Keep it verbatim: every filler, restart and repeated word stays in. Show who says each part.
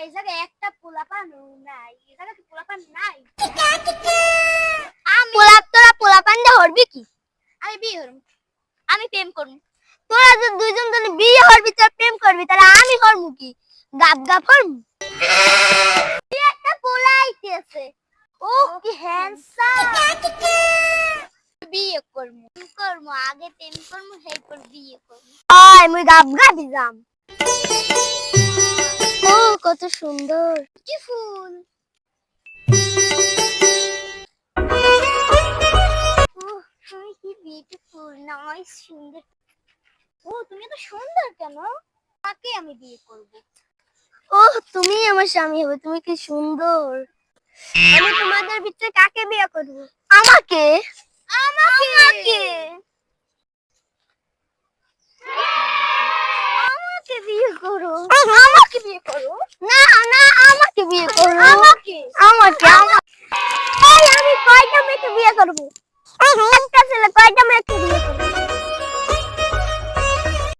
Speaker 1: এই জায়গায় একটা পোলাপান নাই, এই জায়গায় পোলাপান নাই। আমি পোলা তোরা পোলাপান দে হরবি কি? আমি বিয়ে হরম, আমি প্রেম করব। তোরা যদি দুইজন যদি বিয়ে হরবি তোরা প্রেম করবি তাহলে আমি হরমু কি? গাব গাব হরমু। তুই একটা পোলা আইতেছে, ও কি হ্যান্ডসাম। বিয়ে করব করব আগে প্রেম করব এরপর বিয়ে করব। আয় মুই গাব গাবি যাম। ও কত সুন্দর কি ফুল। ওহ তুমি কি বিউটিফুল, নাইস, সুন্দর। ও তুমি তো সুন্দর কেন? কাকে আমি বিয়ে করব? ওহ তুমি আমার স্বামী হবে, তুমি কি সুন্দর। আমি তোমাদের ভিতরে কাকে বিয়ে করব? আমাকে। আমাকে আমাকে আমাকে বিয়ে করো। আমাকে বিয়ে করো। না না আমাকে বিয়ে করো। আমাকে আমাকে আমাকে। এই আমি কয়টা মেয়েকে বিয়ে করব? একটা ছেলে কয়টা মেয়েকে